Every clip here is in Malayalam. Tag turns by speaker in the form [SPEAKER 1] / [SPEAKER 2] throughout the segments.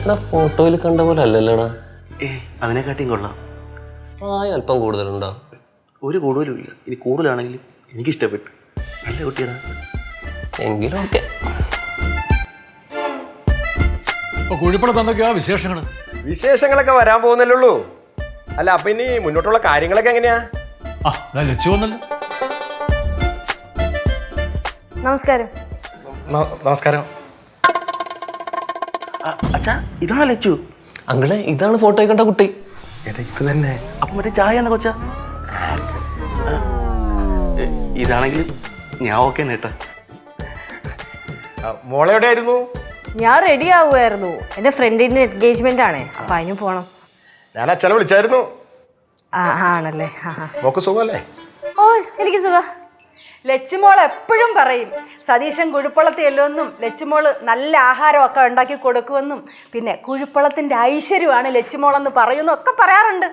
[SPEAKER 1] ഫോട്ടോയിൽ കണ്ട പോലെ അല്ലല്ലോടാ.
[SPEAKER 2] അതിനെക്കാട്ടിയും കൊള്ളാം.
[SPEAKER 1] അല്പം കൂടുതലുണ്ടോ?
[SPEAKER 2] ഒരു കൂടുതലും ഇല്ല. ഇനി കൂടുതലാണെങ്കിലും എനിക്കിഷ്ടപ്പെട്ടു. നല്ല കുട്ടിയാണ്.
[SPEAKER 1] എങ്കിലും ഓക്കെ.
[SPEAKER 3] കുഴിപ്പണത്ത് എന്തൊക്കെയാ വിശേഷങ്ങൾ?
[SPEAKER 4] വിശേഷങ്ങളൊക്കെ വരാൻ പോകുന്നല്ലേ. അല്ല, അപ്പൊ ഇനി മുന്നോട്ടുള്ള കാര്യങ്ങളൊക്കെ എങ്ങനെയാ?
[SPEAKER 3] ലച്ചു വന്നല്ലോ.
[SPEAKER 5] നമസ്കാരം.
[SPEAKER 4] നമസ്കാരം.
[SPEAKER 2] അച്ഛാ, ഇതാ ലച്ചു.
[SPEAKER 1] അങ്ങളെ, ഇതാണ് ഫോട്ടോയിൽ കണ്ട കുട്ടി.
[SPEAKER 2] ഇത് തന്നെ. അപ്പൊ മറ്റേ ചായ എന്നാ കൊച്ചാ? ഇതാണെങ്കിൽ ഞാൻ ഓക്കെ നേട്ടാ.
[SPEAKER 4] മോളെ എവിടെയായിരുന്നു?
[SPEAKER 5] ഞാൻ റെഡി ആവുമായിരുന്നു. എന്റെ ഫ്രണ്ടിന്റെ എൻഗേജ്മെന്റ് ആണ്, അപ്പൊ അതിന് പോണം.
[SPEAKER 4] ഞാൻ അച്ഛനെ വിളിച്ചായിരുന്നു.
[SPEAKER 5] ആണല്ലേ?
[SPEAKER 4] മോക്ക് സുഖമല്ലേ?
[SPEAKER 5] ഓ, എനിക്ക് സുഖ.
[SPEAKER 6] ലച്ചുമോൾ എപ്പോഴും പറയും സതീശൻ കുഴിപ്പള്ളത്തിൽ എല്ലോന്നും ലച്ചുമോള് നല്ല ആഹാരമൊക്കെ ഉണ്ടാക്കി കൊടുക്കുമെന്നും പിന്നെ കുഴിപ്പള്ളത്തിന്റെ ഐശ്വര്യമാണ് ലച്ചുമോളെന്ന് പറയുന്നൊക്കെ പറയാറുണ്ട്.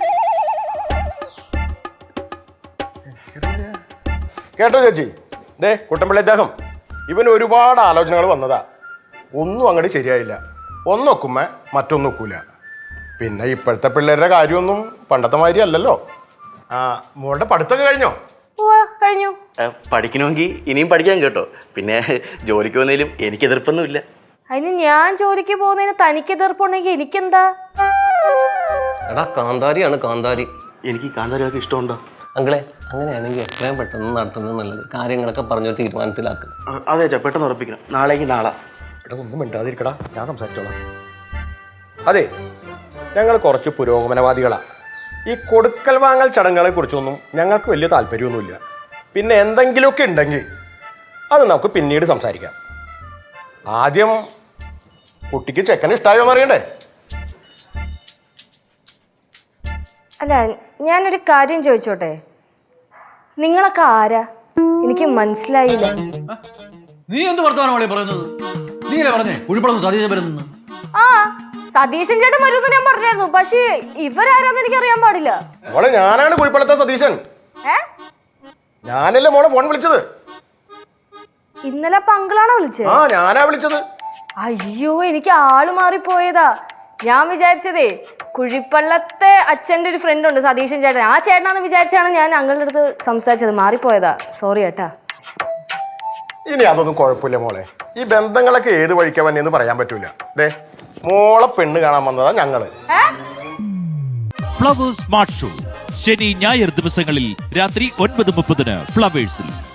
[SPEAKER 4] കേട്ടോ ചേച്ചി? ദേ കുട്ടമ്പിള്ളി അദ്ദേഹം ഇവന് ഒരുപാട് ആലോചനകൾ വന്നതാ. ഒന്നും അങ്ങോട്ട് ശരിയായില്ല. ഒന്നൊക്കുമ്പോ മറ്റൊന്നൊക്കൂല. പിന്നെ ഇപ്പോഴത്തെ പിള്ളേരുടെ കാര്യമൊന്നും പണ്ടത്തെ മാതിരി അല്ലല്ലോ. മോളുടെ പഠിത്തമൊക്കെ കഴിഞ്ഞോ?
[SPEAKER 5] കഴിഞ്ഞു.
[SPEAKER 2] പഠിക്കണമെങ്കിൽ ഇനിയും പഠിക്കാൻ കേട്ടോ. പിന്നെ ജോലിക്ക് വന്നതിലും എനിക്ക് എതിർപ്പൊന്നുമില്ല.
[SPEAKER 5] അതിന് ഞാൻ ജോലിക്ക് പോകുന്നതിന് തനിക്ക് എതിർപ്പുണ്ടെങ്കിൽ എനിക്കെന്താ?
[SPEAKER 1] എടാ, കാന്താരിയാണ് കാന്താരി.
[SPEAKER 2] എനിക്ക് കാന്താരിയൊക്കെ ഇഷ്ടമുണ്ടോ?
[SPEAKER 1] അങ്ങളെ, അങ്ങനെയാണെങ്കിൽ എത്രയും പെട്ടെന്ന് നടത്തുന്നത് നല്ലത്. കാര്യങ്ങളൊക്കെ പറഞ്ഞൊരു തീരുമാനത്തിലാക്കുക.
[SPEAKER 2] അതെ അച്ഛാ, പെട്ടെന്ന് ഉറപ്പിക്കണം. നാളേക്ക് നാളെ.
[SPEAKER 4] എടാ, ഒന്നും മിണ്ടാതിരിക്കടാ, ഞാൻ സംസാരിച്ചോളാം. അതെ, ഞങ്ങൾ കുറച്ച് പുരോഗമനവാദികളാ. ഈ കൊടുക്കൽ വാങ്ങൽ ചടങ്ങുകളെ കുറിച്ചൊന്നും ഞങ്ങൾക്ക് വലിയ താല്പര്യമൊന്നുമില്ല. പിന്നെ എന്തെങ്കിലുമൊക്കെ ഉണ്ടെങ്കിൽ അത് നമുക്ക് പിന്നീട് സംസാരിക്കാം. ആദ്യം കുട്ടിക്ക് ചെക്കന് ഇഷ്ടമായോ അറിയണ്ടേ?
[SPEAKER 5] അല്ല, ഞാനൊരു കാര്യം ചോദിച്ചോട്ടെ? നിങ്ങളൊക്കെ ആരാ? എനിക്ക് മനസ്സിലായില്ല.
[SPEAKER 3] നീ എന്ത് വർത്തമാനമാണ് പറയുന്നത്? നീയല്ലേ പറഞ്ഞേ കുഴിപ്പണത്ത് സതീശൻ വരുന്നു?
[SPEAKER 5] സതീശൻ ചേട്ടൻ വരുമെന്ന് ഞാൻ പറഞ്ഞായിരുന്നു. പക്ഷേ ഇവരാരാന്ന് എനിക്ക് അറിയാൻ പാടില്ല.
[SPEAKER 4] മോളെ, ഞാനാണ് കുഴിപ്പള്ളത്തെ സതീശൻ. ഞാനല്ലേ മോളെ ഫോൺ വിളിച്ചത്?
[SPEAKER 5] ഇന്നലെ പങ്കളാണോ വിളിച്ചത്?
[SPEAKER 4] ഞാനാ വിളിച്ചത്.
[SPEAKER 5] അയ്യോ, എനിക്ക് ആള് മാറിപ്പോയതാ. ഞാൻ വിചാരിച്ചതേ കുഴിപ്പള്ളത്തെ അച്ഛൻ്റെ ഒരു ഫ്രണ്ട് ഉണ്ട്, സതീശൻ ചേട്ടൻ. ആ ചേട്ടനാന്ന് വിചാരിച്ചാണ് ഞാൻ അങ്ങളുടെ അടുത്ത് സംസാരിച്ചത്. മാറിപ്പോയതാ, സോറി ഏട്ടാ.
[SPEAKER 4] ഇനി അതൊന്നും കുഴപ്പമില്ല മോളെ. ഈ ബന്ധങ്ങളൊക്കെ ഏത് വഴിക്കാ വന്നെന്ന് പറയാൻ പറ്റൂല. ദേ, മോളെ പെണ്ണ് കാണാൻ വന്നതാ ഞങ്ങള്.
[SPEAKER 7] ഫ്ലവേഴ്സ് സ്മാർട്ട് ഷോ ശനി ഞായർ ദിവസങ്ങളിൽ രാത്രി 9:30 ഫ്ലവേഴ്സിൽ.